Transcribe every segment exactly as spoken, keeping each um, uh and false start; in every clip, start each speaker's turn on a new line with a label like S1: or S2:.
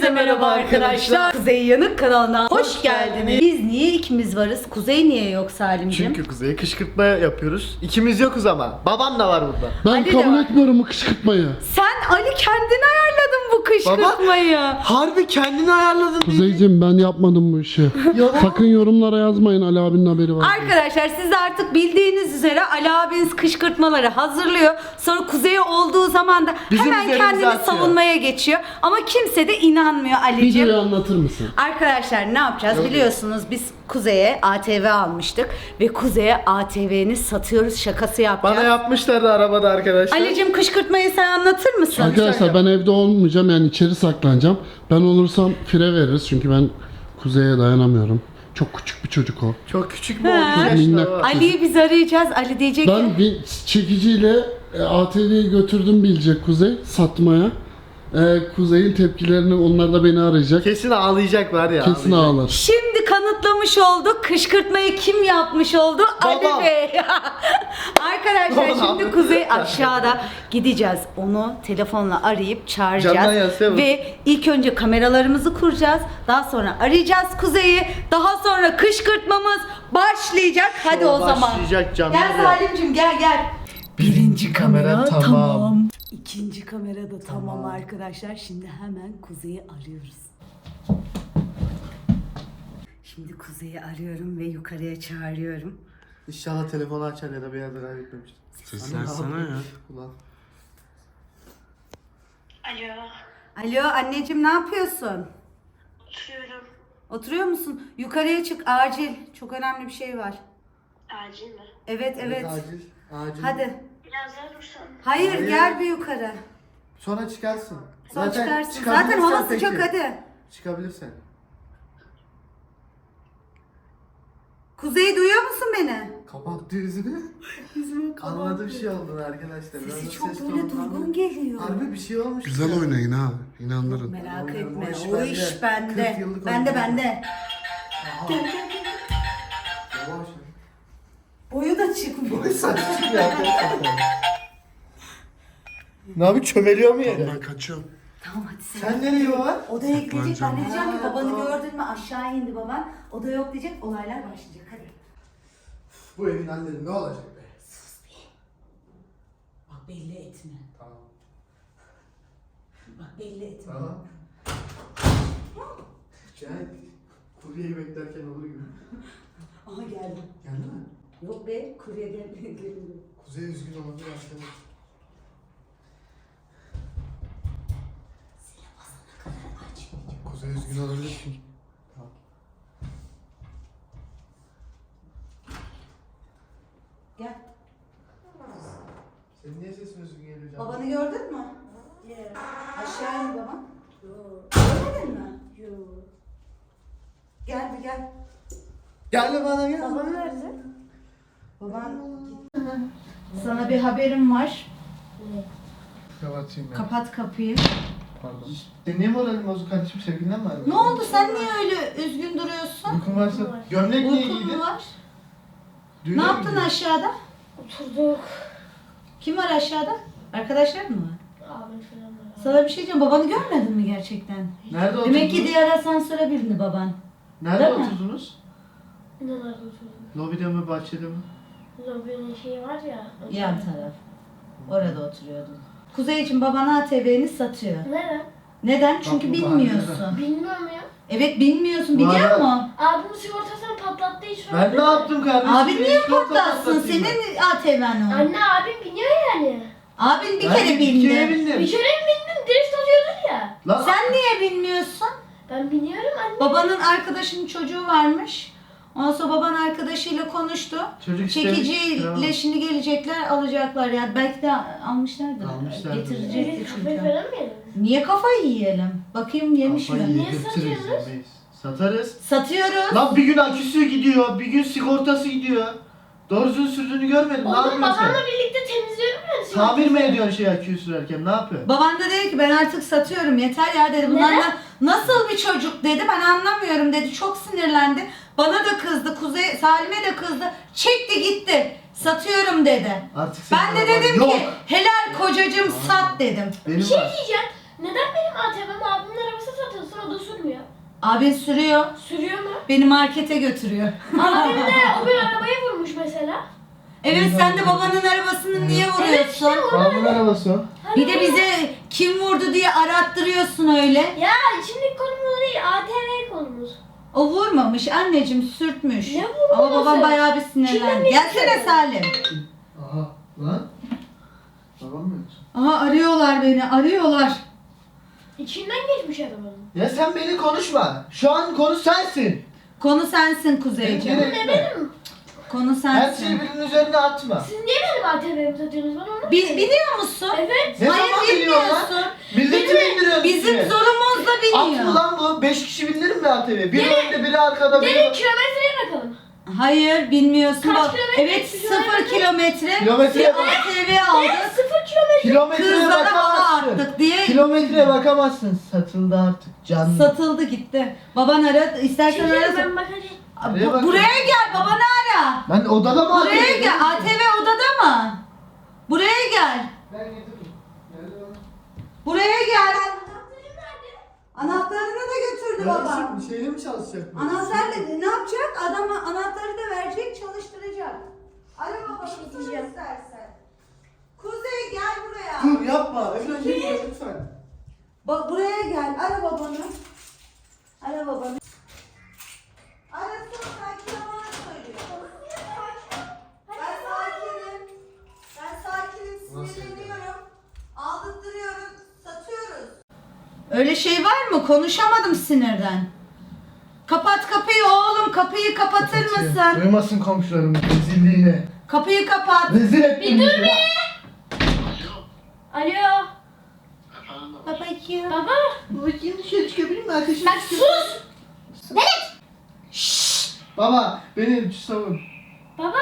S1: Herkese merhaba arkadaşlar. Kuzey Yanık kanalına hoş, hoş geldiniz. geldiniz. Biz niye ikimiz varız? Kuzey niye yok Salimciğim?
S2: Çünkü Kuzey'e kışkırtma yapıyoruz. İkimiz yokuz ama. Babam da var burada.
S3: Ben
S1: Ali
S3: kabul etmiyorum bu kışkırtmayı.
S1: Sen Ali kendin ayarladın bu kışkırtmayı.
S2: Baba, harbi kendini ayarladın.
S3: Kuzeyciğim ben yapmadım bu işi. Sakın yorumlara yazmayın, Ali abinin haberi var.
S1: Arkadaşlar siz de artık bildiğiniz üzere Ali abiniz kışkırtmaları hazırlıyor. Sonra Kuzey'e olduğu zaman da
S2: Bizim
S1: hemen
S2: üzerimize
S1: kendini
S2: atıyor.
S1: savunmaya geçiyor. Ama kimse de inanmıyor Ali'ciğim.
S3: Videoyu anlatır mısın?
S1: Arkadaşlar ne yapacağız?
S2: Yok.
S1: Biliyorsunuz biz Kuzey'e A T V almıştık. Ve Kuzey'e A T V'ni satıyoruz şakası yapacağız.
S2: Bana yapmışlardı arabada arkadaşlar.
S1: Ali'cim kışkırtmayı sen anlatır mısın?
S3: Arkadaşlar ben evde olmayacağım, yani içeri saklanacağım. Ben olursam fire veririz çünkü ben Kuzey'e dayanamıyorum. Çok küçük bir çocuk o.
S2: Çok küçük mü
S1: Ha.
S2: olmuş
S3: Çok minnak.
S2: yaşta var.
S1: Ali'yi biz arayacağız. Ali diyecek ki
S3: Ben bir çekiciyle e, A T V'yi götürdüm bilecek Kuzey satmaya. E, Kuzey'in tepkilerini, onlar da beni arayacak.
S2: Kesin ağlayacak var ya.
S3: Kesin
S2: ağlayacak.
S3: ağlar.
S1: şimdi kanıtlamış olduk. Kışkırtmayı kim yapmış oldu?
S2: Babam.
S1: Ali Bey. Arkadaşlar
S2: Babam.
S1: şimdi Kuzey aşağıda gideceğiz. Onu telefonla arayıp çağıracağız.
S2: Camdan yazsana.
S1: Ve ilk önce kameralarımızı kuracağız. Daha sonra arayacağız Kuzey'i. Daha sonra kışkırtmamız başlayacak. Hadi o zaman.
S2: Başlayacak camdan
S1: Gel
S2: yaz.
S1: Salim'cim gel gel.
S2: Birinci kamera tamam.
S1: İkinci kamera da tamam arkadaşlar. Şimdi hemen Kuzey'i arıyoruz. Şimdi Kuzey'i arıyorum ve yukarıya çağırıyorum.
S2: İnşallah telefonu açar ya da bir yerde kaybetmemiştir.
S3: Seslersene ya.
S2: Ulan.
S4: Alo,
S1: Alo anneciğim ne yapıyorsun?
S4: oturuyorum.
S1: Oturuyor musun? Yukarıya çık acil. Çok önemli bir şey var.
S4: Acil mi?
S1: Evet evet.
S2: Acil. Acil.
S1: Hadi.
S4: Biraz daha dursan.
S1: Hayır,
S2: Hayır.
S1: gel bir yukarı.
S2: Sonra çıkarsın.
S1: Sonra çıkarsın.
S2: çıkabilirsen
S1: Zaten hava
S2: peki.
S1: sıcak hadi.
S2: Çıkabilirsen.
S1: Kuzey duyuyor musun beni?
S2: Kapattı yüzünü.
S1: Yüzümü
S2: Anladım bir şey oldu arkadaşlar. Biraz
S1: Sesi
S2: da
S1: çok
S2: ses
S1: böyle
S2: tonundan-
S1: durgun geliyor.
S2: Harbi bir şey olmuş.
S3: Güzel
S2: ya.
S3: oynayın ha, inandırın.
S1: Merak
S2: Oyun,
S1: etme.
S2: o iş
S1: O
S2: bende.
S1: iş bende.
S2: kırk yıllık
S1: Bende
S2: oyun.
S1: bende.
S2: Aha.
S1: Gel gel gel.
S2: Yavaş.
S1: Boyu da çıkmıyor.
S2: Saçma ya. Ne abi çömeliyor mu yere?
S3: Ben kaçıyorum.
S1: Tamam hadi sen.
S2: Sen nereye baba?
S1: Odaya gidecek. Ben de
S3: Saklanacağım.
S1: diyeceğim ki
S2: Ha,
S1: babanı
S2: tamam.
S1: gördün mü aşağı indi baban. Oda yok diyecek. Olaylar başlayacak. Hadi.
S2: Bu evin halleri ne olacak be?
S1: Bak belli etme.
S2: Tamam.
S1: Bak belli etme.
S2: Tamam. Yani kuryeyi beklerken olur gibi.
S1: Aha geldim.
S2: Geldi mi?
S1: Yok be kurye geldi. Geldi.
S2: Kuzey üzgün olabilir aslında. Kuzey üzgün olabilir çünkü. Tamam.
S1: Gel.
S2: Senin niye sesin üzgün geliyor canım?
S1: Babanı gördün mü?
S4: Evet.
S1: Aşağı indi baban.
S4: Yok.
S1: Görmedin mi?
S4: Yok.
S1: Gel bir gel.
S2: Gel bana gel.
S4: Babam nerede?
S1: Baban sana bir haberim var.
S4: Ne?
S2: Kapatayım ya.
S1: Kapat kapıyı.
S2: Pardon. Senin niye moralin bozuk kardeşim? Sevgilinden mi ayrıldın?
S1: Ne oldu sen niye öyle üzgün duruyorsun?
S2: Uykun varsa gömlek niye
S1: Uykun
S2: giydin?
S1: mu var?
S2: Düğüne
S1: Ne
S2: mi
S1: yaptın
S2: gidiyorsun?
S1: aşağıda?
S4: Oturduk.
S1: Kim var aşağıda? Arkadaşlar mı var?
S4: Abim falan var.
S1: Sana bir şey diyeceğim. Babanı görmedin mi gerçekten?
S2: Nerede oturdunuz?
S1: Demek ki diğer asansöre bindi baban.
S2: Nerede
S1: Değil mi?
S2: oturdunuz?
S4: Nerede oturduk?
S2: Lobide mi, bahçede mi?
S4: Lobinin şeyi var ya.
S1: Yan taraf. Orada oturuyordun. Kuzey için baban A T V'ni satıyor.
S4: Neden?
S1: Neden? Çünkü
S2: Bak bu
S1: bilmiyorsun.
S4: Bilmiyorum ya.
S1: Evet bilmiyorsun. Biliyor
S2: Var.
S1: musun?
S4: Abimin sigortasını patlattığı için.
S2: Ben ne yaptım kardeşim?
S1: Abin niye
S2: Sigorta
S1: patlatsın?
S2: patlatayım ben.
S1: Senin A T V'n o.
S4: Anne abim biniyor yani.
S1: Abin bir
S2: Ben
S1: kere
S2: bir kere
S1: bindi.
S2: bindim.
S4: Bir kere mi bindin? Drift atıyordun ya.
S2: Lan
S1: Sen niye bilmiyorsun?
S4: Ben biniyorum anne.
S1: Babanın arkadaşının çocuğu varmış. Ondan sonra baban arkadaşıyla konuştu.
S2: Çocuk istemiş,
S1: Çekiciyle
S2: tamam.
S1: şimdi gelecekler alacaklar ya. Belki de almışlardır.
S2: Almışlardır.
S1: Getirecekti
S4: Evet, kafayı
S1: çünkü.
S4: falan mı yedin?
S1: Niye kafayı yiyelim? Bakayım yemiş
S2: kafayı
S1: mi?
S4: Niye
S2: yedirtiriz
S4: satıyorsunuz?
S2: yemeyiz. Satarız.
S1: Satıyoruz.
S2: Lan bir gün aküsü gidiyor, bir gün sigortası gidiyor. Doğrusunu sürdüğünü görmedim. Ne
S4: Oğlum
S2: yapıyorsun
S4: babamla
S2: sen?
S4: birlikte temizliyorum ben.
S2: Tamir mi ediyorsun şey aküyü sürerken? Ne yapıyorsun?
S1: Baban da dedi ki ben artık satıyorum yeter ya dedi. Bunlar
S4: Neden?
S1: na- nasıl bir çocuk dedi ben anlamıyorum dedi. Çok sinirlendi. Bana da kızdı. Kuzey Salim'e de kızdı. Çekti gitti. Satıyorum dedi.
S2: Artık senin
S1: Ben de
S2: baban
S1: dedim
S2: yok.
S1: ki helal kocacığım sat dedim.
S2: Benim
S4: Bir şey
S2: var.
S4: diyeceğim. Neden benim A T V'm abimin arabası satılsın?
S1: Abin sürüyor.
S4: Sürüyor mu?
S1: Beni markete götürüyor.
S4: Abim de o bir arabayı vurmuş mesela.
S1: Evet sen de babanın arabasını niye
S4: Evet
S1: vuruyorsun?
S4: işte o.
S2: Babamın arabası o.
S1: Bir de bize kim vurdu diye arattırıyorsun öyle.
S4: Ya şimdi konumuz değil, A T V konumuz.
S1: O vurmamış anneciğim, sürtmüş.
S4: Ne vurması?
S1: Ama babam bayağı bir
S4: Kimden
S1: sinirlendi.
S4: ne
S1: Gelsene
S4: istiyor?
S1: Salim.
S2: Aha lan. Babam mı yoksa?
S1: Aha arıyorlar beni, arıyorlar.
S4: İçinden geçmiş arabanın.
S2: Ya sen beni konuşma. Şu an konu sensin.
S1: Konu sensin Kuzeyciğim.
S2: Evet.
S4: Ne benim?
S1: Konu
S2: Her şeyi
S1: sensin.
S2: birinin üzerine atma.
S4: Siz niye benim A T V'mi satıyorsunuz bana onu?
S1: Bi- biliyor musun?
S4: Evet.
S2: Ne
S1: Hayır
S2: zaman biliyorsun lan?
S1: bilmiyorsun.
S2: Milleti bindiriyorsun.
S1: Bizim
S2: üstüne.
S1: zorumuzla
S2: At mı
S1: biniyor.
S2: lan bu? Beş kişi bindirir mi A T V? Biri
S4: Gelin.
S2: önde biri arkada biri.
S4: Gelin kilometreye bakalım.
S1: Hayır bilmiyorsun.
S4: Kaç
S1: Bak,
S4: kilometre
S1: evet
S4: sürüyor
S1: sıfır
S4: araba?
S1: kilometre.
S2: Kilometreye
S1: Bir
S2: bak.
S1: A T V
S4: Ne?
S1: aldık.
S4: Sıfır kilometre.
S2: Kilometreye
S1: Kızlara hava
S2: bakamazsın.
S1: attık diye
S2: Kilometreye bakamazsın. Satıldı artık. Canlı.
S1: satıldı gitti. Baban aradı. İstersen
S4: Çekil
S1: arasın.
S4: ben bakacağım.
S2: Nereye
S1: Bu-
S2: bakıyorsun?
S1: buraya gel babanı ara.
S2: Ben odada mı
S1: Buraya
S2: atayım?
S1: gel. A T V odada mı? Buraya gel.
S2: Ben getirdim. Nerede lan?
S1: Buraya gel. Anahtarını da götürdü baba.
S2: Kardeşim, şeyle mi çalışacak? bu?
S1: Anahtarla ne yapacak? Adama anahtarı da verecek, çalıştıracak. Ara baba,
S4: şey
S1: bir
S4: diyeceğim.
S1: istersen. Kuzey gel buraya.
S2: Dur yapma. Öyle gitme lütfen.
S1: Bak buraya gel. Ara babanı. Ara babanı. Arasın sanki bana söylüyor. Ben sakinim. Ben sakinim. Sinirleniyorum. Aldırtırıyorum. Satıyoruz. Öyle şey var mı? Konuşamadım sinirden. Kapat kapıyı oğlum. Kapıyı kapatır mısın?
S2: Duymasın komşularım rezilliğini.
S1: Kapıyı kapat.
S2: Rezil ettin
S4: Bir dur
S2: bizi.
S4: be. Alo.
S1: Babacığım.
S4: Baba.
S2: Babacığım dışarı çıkabilir mi? Ateşim
S4: Bak sus. Velet.
S2: Baba beni savun.
S4: Baba.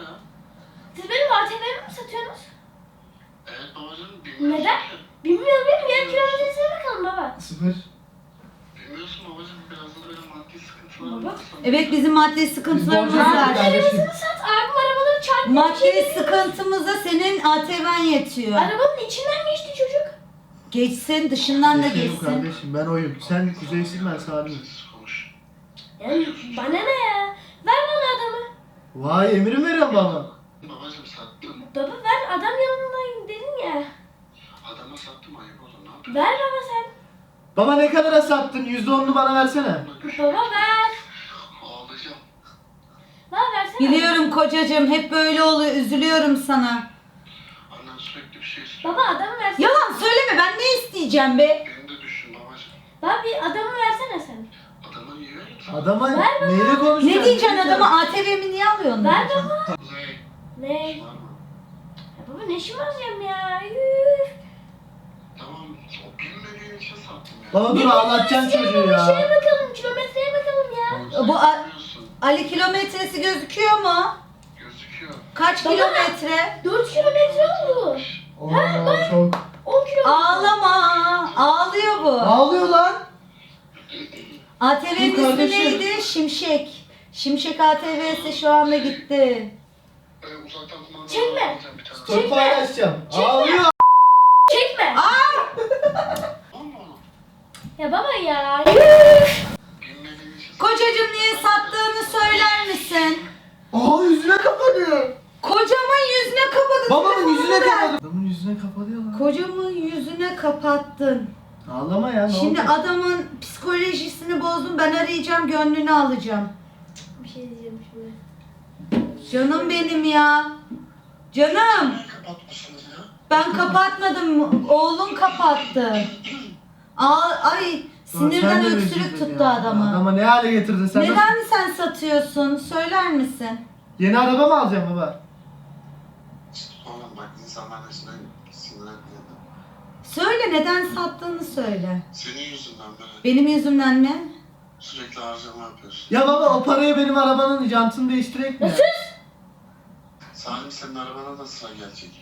S4: Siz benim A T V'mi mi satıyorsunuz?
S5: Evet babacığım bilmiyorsun
S4: Neden?
S5: ki.
S4: Bilmiyorum benim yer kilometresine bakalım baba.
S2: Sıfır.
S5: Bilmiyorsun babacığım biraz da böyle maddi sıkıntılarım
S4: Baba.
S5: var.
S1: Evet bizim maddi sıkıntılarımız
S2: Biz borcu
S1: var.
S2: aldık. Kardeşim.
S4: Arabasını sat. Abim arabaları çarptı.
S1: Maddi sıkıntımıza senin A T V'n yetiyor.
S4: Arabanın içinden geçti çocuk.
S1: Geçsin dışından da
S2: Geçelim
S1: geçsin.
S2: kardeşim ben oyum. Sen kuzeysin ben Salim'im.
S5: Siz konuş.
S4: Yani bana ne ya? Ver bana adamı.
S2: Vay emir mi veriyorsun baba?
S5: Babacığım sattım.
S4: Baba ver adam yanındayım dedin ya.
S5: Adama sattım ayıp oldu ne yapayım?
S4: Ver baba sen.
S2: Baba ne kadara sattın? Yüzde onunu bana versene.
S4: Baba ver.
S5: Ağlayacağım.
S4: Baba versene.
S1: Biliyorum kocacığım hep böyle oluyor. Üzülüyorum sana.
S5: Annem sürekli bir şey istiyor.
S4: Baba adamı versene.
S1: Yalan söyleme ben ne isteyeceğim be?
S5: Beni de düşün babacığım.
S4: Baba bir adamı versene sen.
S5: Adamı yiyor musun?
S2: Adama
S4: Ver baba.
S2: neyle konuşacaksın?
S1: Ne diyeceksin adama? A T V'mi niye alıyorsun?
S4: Ver
S1: diyeceksin.
S4: baba.
S5: Kuzey.
S4: Ne?
S5: işin var mı?
S4: Ya baba ne şımaracağım ya. Üf.
S5: Tamam o bilmediğin için sattım ya.
S2: Baba dur ağlatacaksın çocuğu
S4: Şeye
S2: ya.
S4: bakalım kilometreye bakalım ya.
S1: Bu a-
S5: Bilmiyorsun.
S1: Ali kilometresi gözüküyor mu?
S5: Gözüküyor.
S1: Kaç
S4: Baba.
S1: kilometre?
S4: dört kilometre oldu.
S2: Oo çok.
S4: on kilometre.
S1: Ağlama. Ağlıyor bu.
S2: Ağlıyor lan.
S1: A T V'nin
S2: Dur
S1: ismi
S2: kardeşim.
S1: neydi? Şimşek. Şimşek A T V'si şu anda gitti.
S5: Ee, uzaktan kumandalı
S4: Çekme.
S5: alacağım bir tane.
S2: Çok
S4: Çekme.
S2: paylaşacağım.
S4: Çekme.
S2: Ağlıyor.
S4: Çekme.
S5: Tamam mı?
S4: Ya baba ya.
S5: Bilmediğin için
S1: Kocacığım niye sattığını söyler misin?
S2: Aa yüzüne kapanıyor.
S1: Kocamın yüzüne kapadı.
S2: Babamın
S1: telefonunu
S2: yüzüne
S1: ver.
S2: kapadı. Adamın yüzüne kapatıyor lan.
S1: Kocamın yüzüne kapattın.
S2: Ağlama ya ne
S1: Şimdi
S2: oldu?
S1: adamın psikolojisini bozdum. Ben arayacağım, gönlünü alacağım.
S4: Bir şey diyeceğim şimdi.
S1: Canım benim ya. Canım.
S5: niye kapatmışsınız ya?
S1: Ben kapatmadım. Oğlum kapattı. Aa, ay sinirden
S2: Sen de
S1: öksürük
S2: üzüldün
S1: tuttu
S2: ya.
S1: adamı.
S2: Adama ne hale getirdin sen? Nasıl-
S1: Neden sen satıyorsun? Söyler misin?
S2: Yeni araba mı alacaksın baba?
S5: Oğlum bak insanlar yüzünden sinirlenmiyor.
S1: Söyle neden sattığını söyle.
S5: Senin yüzünden böyle
S1: Benim yüzümden ne?
S5: sürekli harcama yapıyorsun.
S2: Ya baba o parayı benim arabanın jantını değiştirek mi? ya?
S5: Salim senin arabana da sıra gelecek.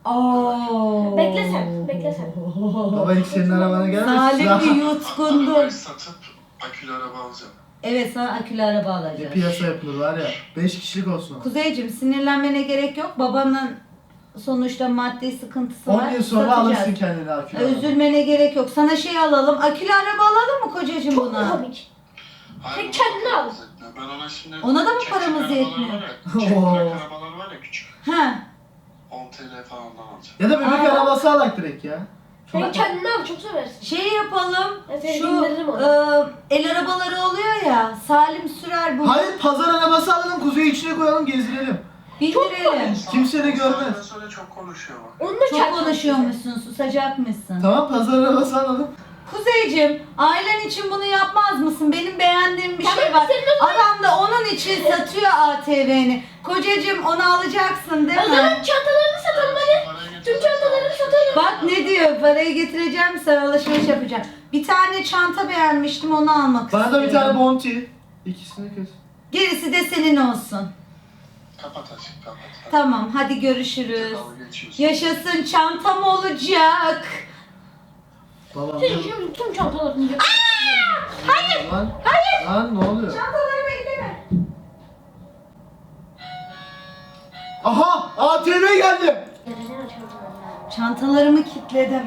S1: Oo.
S4: Bekle sen, bekle sen.
S2: Baba ilk senin arabana gelmez.
S1: Salim
S2: Sıra-
S1: bir yutkundum.
S5: Arabayı satıp akülü araba alacağım.
S1: Evet sana akülü araba
S2: Ne
S1: alacağız.
S2: piyasa yapılır var ya. Beş kişilik olsun.
S1: Kuzeyciğim sinirlenmene gerek yok. Babanın sonuçta maddi sıkıntısı var.
S2: on yıl sonra
S1: Satacağız.
S2: alırsın kendine akülü araba.
S1: Üzülmene gerek yok. Sana şey alalım. Akülü araba alalım mı kocacığım
S4: Çok
S1: buna?
S4: komik. Sen kendini al.
S5: Ben ona şimdi...
S1: Ona da mı
S5: çek
S1: paramız
S5: çek
S1: yetmiyor?
S5: arabalar var ya, çek
S2: Oo.
S5: bırak arabalar var ya küçük.
S1: He.
S5: on TL falan alacağım.
S2: Ya da bebek
S1: Aa.
S2: arabası alak direkt ya.
S4: Sen kendini al, çok seversin.
S1: Şey yapalım.
S4: Ben seni
S1: Şu
S4: bindiririm ona.
S1: e, el arabaları oluyor ya. Salim sürer bunu.
S2: Hayır pazar arabası alalım kuzeyi içine koyalım gezdirelim.
S1: Bindirelim.
S2: Kimse de
S5: O saatten
S2: görmez.
S5: sonra çok konuşuyor bak.
S4: Onunla
S1: Çok
S4: kendini
S1: konuşuyormuşsun, susacakmışsın.
S2: Tamam pazar arabası alalım.
S1: Kuzeyciğim, ailen için bunu yapmaz mısın? Benim beğendiğim bir
S4: Tamam,
S1: şey var.
S4: senin o zaman-
S1: Adam da onun için satıyor A T V'ni. Kocacığım onu alacaksın değil
S4: O zaman
S1: mi?
S4: çantalarını satalım hadi.
S5: Parayı
S4: Tüm
S5: getirsen
S4: çantalarını
S5: sana-
S4: satalım.
S1: Bak ne diyor, parayı getireceğim sen alışveriş yapacağım. Bir tane çanta beğenmiştim onu almak
S2: Bana
S1: istiyorum.
S2: da bir tane bounty. İkisini kes.
S1: Gerisi de senin olsun.
S5: Kapat aşkım kapat. Hadi.
S1: Tamam hadi görüşürüz.
S5: Dalga geçiyorsun.
S1: Yaşasın çantam olacak.
S2: Babam.
S4: Sen şimdi tüm çantalarını yap.
S2: Hayır. Lan, hayır. Lan ne oluyor?
S1: Çantalarımı elleme.
S2: Aha A T V geldi.
S4: Neden çantalarını?
S1: Çantalarımı kilitledim.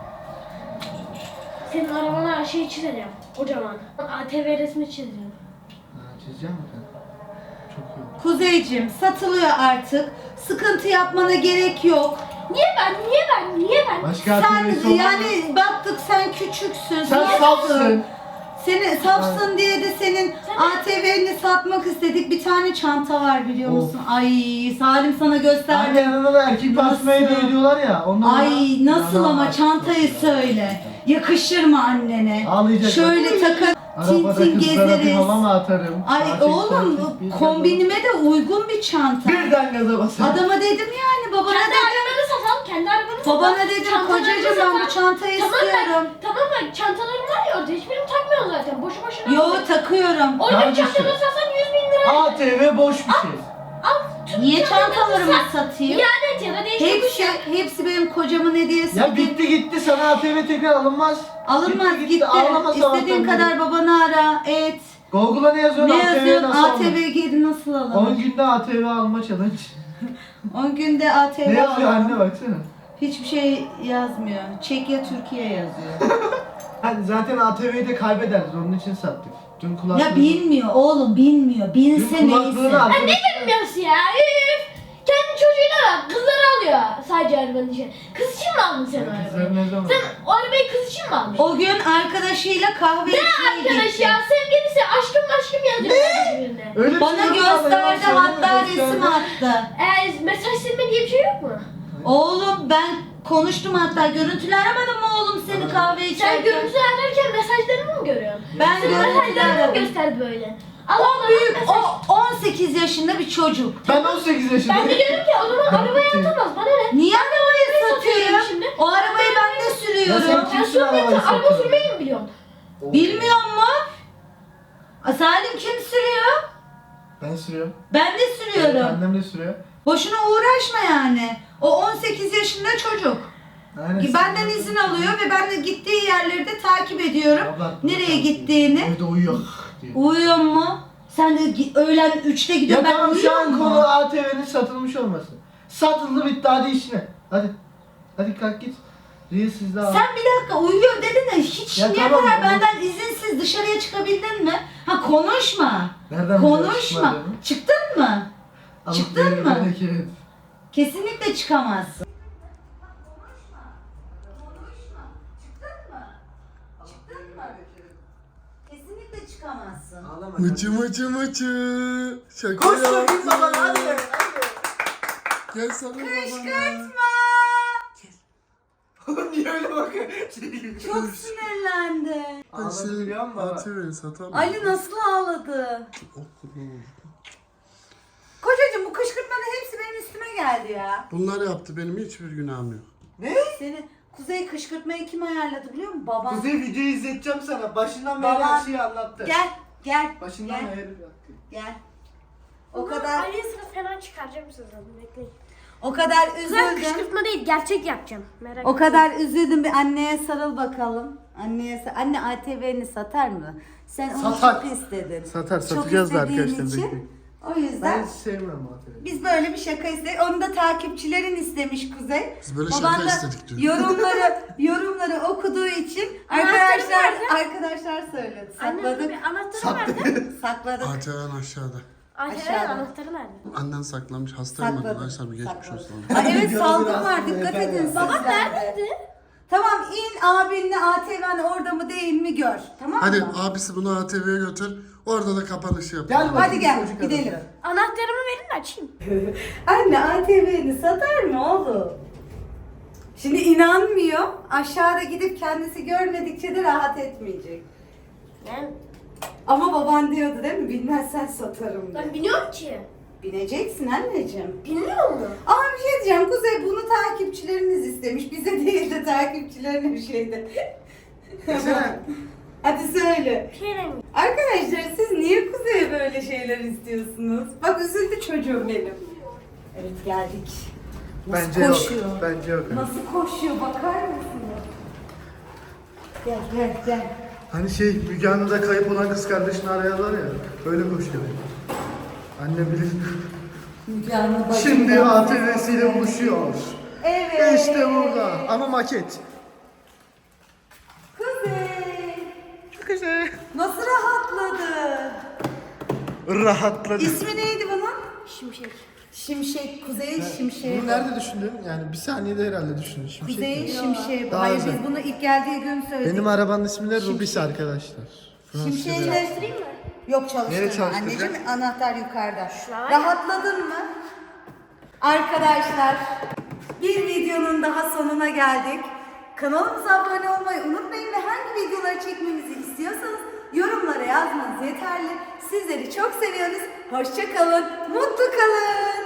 S4: Senin arabana şey çizeceğim. Kocaman. A T V resmi çizeceğim.
S2: Ha, çizeceğim mi sen? Çok iyi.
S1: Kuzeyciğim satılıyor artık. Sıkıntı yapmana gerek yok.
S4: Niye ben? Niye ben? Niye ben?
S2: Başka A T V'si
S1: Sen
S2: olan mı?
S1: yani baktık sen küçüksün.
S2: Sen
S1: safsın.
S2: safsın.
S1: Seni safsın diye de senin A T V'ni satmak istedik. Bir tane çanta var biliyor
S2: Of.
S1: musun? Ay Salim sana gösterdi.
S2: Anne yanına da erkek basmayı
S1: Nasıl?
S2: da ediyorlar ya. Ondan
S1: Ay
S2: sonra-
S1: nasıl
S2: Ya,
S1: ama
S2: ya,
S1: çantayı
S2: ya.
S1: söyle. Yakışır mı annene?
S2: Ağlayacak.
S1: Şöyle takar, tin
S2: Arabada
S1: tin
S2: kızlara bir
S1: gezeriz.
S2: hava mı atarım?
S1: Ay
S2: Sağa çek,
S1: oğlum
S2: sola çek, bir gaza
S1: kombinime de uygun bir çanta.
S2: bas. Birden gaza basar.
S1: Adama dedim yani babana
S4: Kendi
S1: dedim.
S4: arabanı satalım. Kendi arabanı satalım.
S1: Babana dedim
S4: Çantalarını
S1: kocacığım ben bu
S4: satalım.
S1: çantayı
S4: Tamam
S1: istiyorum.
S4: ben, tamam ben çantalarım var ya orada. Hiçbirini takmıyorum zaten. Boşu boşuna.
S1: Yo
S4: aldım.
S1: takıyorum.
S4: Orada
S2: Kardeşim.
S4: çantaları satsan yüz bin lira.
S2: A T V boş bir şey.
S4: Al. tüm
S1: Niye
S4: çantalarını
S1: çantalarımı
S4: sat.
S1: satayım?
S4: İade et ya da değiştir bir
S1: Hepsi,
S4: şey.
S1: hepsi benim kocamın hediyesi.
S2: Ya bitti gitti sana A T V tekrar alınmaz.
S1: Alınmaz gitti.
S2: Ağlama
S1: İstediğin
S2: sabahtan
S1: kadar babanı ara, et.
S2: Google'a ne yazıyorsun?
S1: Ne
S2: A T V'ye
S1: yazıyorsun?
S2: nasıl
S1: A T V
S2: alınır?
S1: geri nasıl
S2: on
S1: alınır?
S2: günde A T V alma challenge.
S1: on günde A T V
S2: Ne yazıyor
S1: alınır.
S2: anne baksana.
S1: Hiçbir şey yazmıyor. Çekya Türkiye yazıyor.
S2: Hani zaten A T V'yi de kaybederiz onun için sattık. Dün kulaklığı...
S1: Ya bilmiyor oğlum bilmiyor. Bilse
S2: Dün
S1: neyse.
S2: kulaklığını arkadaş...
S4: Bilmiyorsun ya. Üf. Kendi çocuğuyla bak. Kızları alıyor sadece arabanın içine. Kız için mi aldın sen o
S2: Kızlar
S4: arabayı?
S2: ne zaman?
S4: Sen o arabayı kız için mi aldın?
S1: O gün arkadaşıyla kahve
S4: Ne
S1: içmeye
S4: arkadaş
S1: gitti.
S4: ya? Sevgilisi aşkım aşkım yazıyor. Ne?
S2: Öyle bir
S1: Bana
S2: şey yok ama ya,
S1: gösterdi
S2: söyleme,
S1: hatta
S2: gösterdi.
S1: resim attı.
S4: Ee, mesaj silme diye bir şey yok mu?
S1: Oğlum ben konuştum hatta görüntülü aramadım mı oğlum seni kahve
S4: Sen
S1: içerken?
S4: görüntü ararken mesajlarını mı görüyorsun?
S1: Ben
S4: Sen
S1: görüntülü
S4: mesajlarını mı
S1: aradım.
S4: gösterdi böyle?
S1: O
S4: Allah
S1: büyük,
S4: mesaj...
S1: o on sekiz yaşında bir çocuk.
S2: Ben on sekiz yaşındayım.
S4: Ben de diyorum ki o zaman arabaya atamaz. Bana ne?
S1: Niye arabayı
S4: satıyorum
S1: satıyor?
S4: şimdi.
S1: O arabayı ben de
S2: Ya
S1: sürüyorum.
S2: sen
S4: Ben
S2: kimsin
S4: sürmeyi,
S2: arabayı
S4: araba
S2: satıyorsun?
S4: sürmeyi mi biliyorsun?
S1: Bilmiyor mu? A, Salim kim sürüyor?
S2: Ben sürüyorum.
S1: Ben de sürüyorum.
S2: Annem de sürüyor.
S1: Boşuna uğraşma yani. O on sekiz yaşında çocuk.
S2: Aynen.
S1: Benden izin alıyor ve ben de gittiği yerleri de takip ediyorum.
S2: Abla,
S1: Nereye gittiğini.
S2: Evde uyuyor diyor.
S1: Uyuyor mu? Sen de gi- öğlen üçte
S2: Ya
S1: gidiyorsun. Ben
S2: tamam şu
S1: uyuyor
S2: an
S1: mu?
S2: konu A T V'nin satılmış olması. Satıldı bitti hadi işine. Hadi. Hadi kalk git. Reels sizde abi.
S1: Sen bir dakika uyuyor dedin de hiç
S2: Ya
S1: şimdiye
S2: tamam,
S1: kadar
S2: tamam.
S1: benden izinsiz dışarıya çıkabildin mi? Ha konuşma.
S2: Nereden
S1: Konuşma.
S2: çıkmadığını?
S1: Çıktın mı?
S2: Alıp
S1: Çıktın
S2: verir
S1: mı?
S2: bereket.
S1: Kesinlikle çıkamazsın. Kesinlikle çıkamazsın.
S2: Ağlama.
S3: Mıcı mıcı mıcı. Şaka
S2: Koş
S3: yaptım.
S2: bakayım babana hadi. Hadi.
S3: Gel sana babana.
S1: Kışkırtma.
S2: Niye öyle bakıyor?
S1: Çok sinirlendi.
S2: Ağladı biliyor musun baba?
S3: A T V'yi satamam.
S1: Ali nasıl ağladı?
S3: Oh, kurban olsun.
S1: Kocacığım bu kışkırtmanın hepsi benim üstüme geldi ya.
S3: Bunlar yaptı benim hiçbir günahım yok.
S2: Ne?
S1: Seni Kuzey kışkırtmayı kim ayarladı biliyor musun? Babam.
S2: Kuzey videoyu izleteceğim sana. Başından beri
S1: Babam.
S2: her şeyi anlattı.
S1: Gel gel
S2: Başından
S1: gel
S2: beri.
S1: gel. O kadar
S4: Ali'ye sıra fena çıkaracağım sizden. Bekleyin.
S1: o kadar
S4: Kızlar
S1: üzüldüm.
S4: kışkırtma değil gerçek yapacağım. Merak
S1: O kadar üzüldüm bir anneye sarıl bakalım. Anneye sa- anne A T V'ni satar mı? Sen onu
S3: Satar.
S1: çok istedin.
S3: Satar,
S1: Çok
S3: satacağız da
S1: istediğin
S3: arkadaşlar,
S1: için
S3: bekleyin.
S1: O yüzden
S2: Ben hiç sevmem A T V'yi.
S1: biz böyle bir şaka istedik. Onu da takipçilerin istemiş Kuzey.
S3: Biz böyle
S1: Baban
S3: şaka
S1: da
S3: istedik diyor.
S1: yorumları yorumları okuduğu için
S4: Anahtarı
S1: arkadaşlar
S4: nerede?
S1: arkadaşlar söyledi.
S4: Annem
S1: Sakladık.
S4: bir anahtarı nerede?
S1: Sakladık.
S3: A T V'nin aşağıda.
S4: Anahtarı
S1: Aşağıda.
S4: anahtarı nerede?
S3: Annen saklamış. Hastayım
S1: Sakladık.
S3: arkadaşlar. Bir geçmiş
S1: Sakladık.
S3: olsun.
S1: Ay evet
S2: Gördün
S1: salgın var
S2: aslında,
S1: dikkat
S2: yeter
S1: edin
S2: ya.
S1: siz.
S4: Babam
S1: de.
S4: neredeydi?
S1: Tamam in abinle A T V'nin orada mı değil mi gör. Tamam
S3: Hadi
S1: mı?
S3: abisi bunu A T V'ye götür. Orada da kapanışı yap.
S2: Gel
S1: Hadi
S2: bakayım
S1: gel,
S2: çocuk
S1: gidelim.
S2: arası.
S4: Anahtarımı verin de açayım.
S1: Anne A T V'ni satar mı oğlum? Şimdi inanmıyor. Aşağıda gidip kendisi görmedikçe de rahat etmeyecek.
S4: Yani
S1: Ama baban diyordu değil mi? Bilmezsen satarım diye.
S4: ben biliyorum ki.
S1: Bineceksin anneciğim.
S4: Bilmiyor mu?
S1: Ama bir şey diyeceğim. Kuzey bunu takipçileriniz istemiş. Bize değil de takipçilerine bir şeydi.
S2: Desene.
S1: Hadi söyle.
S4: Bir şey demiyorum.
S1: Arkadaşlar siz niye Kuzey'e böyle şeyler istiyorsunuz? Bak üzüldü çocuğum benim. Evet geldik. Nasıl
S2: Bence
S1: koşuyor?
S2: yok. Bence yok.
S1: Nasıl koşuyor bakar mısınız? Gel gel gel.
S2: Hani şey Müge Anlı'da kayıp olan kız kardeşini arayanlar ya. Böyle koşuyor. Anne bilir.
S1: Müge Anlı bacım.
S2: Şimdi A T V'siyle buluşuyor.
S1: Evet.
S2: İşte burada. Ama maket.
S1: Kuzey.
S2: Güzel.
S1: Nasıl rahatladı?
S2: Rahatladı.
S1: İsmi neydi bunun?
S4: Şimşek.
S1: Şimşek. Kuzey'in şimşeği.
S2: Bunu nerede düşündün? Yani bir saniyede herhalde düşündün. Şimşek
S1: Kuzey'in
S2: mi?
S1: şimşeği. bu.
S2: Daha
S1: Hayır
S2: güzel.
S1: biz bunu ilk geldiği gün söyledik.
S2: Benim arabanın ismi de Rubis arkadaşlar.
S1: Şimşeği
S2: Fransızca.
S4: Çalıştırayım mı?
S1: Yok çalıştırma.
S2: Nereye çalıştıracak?
S1: Anneciğim anahtar yukarıda.
S4: Şuraya.
S1: Rahatladın mı? Arkadaşlar bir videonun daha sonuna geldik. Kanalımıza abone olmayı unutmayın ve hangi videoları çekmemizi istiyorsanız yorumlara yazmanız yeterli. Sizleri çok seviyoruz. Hoşça kalın, mutlu kalın.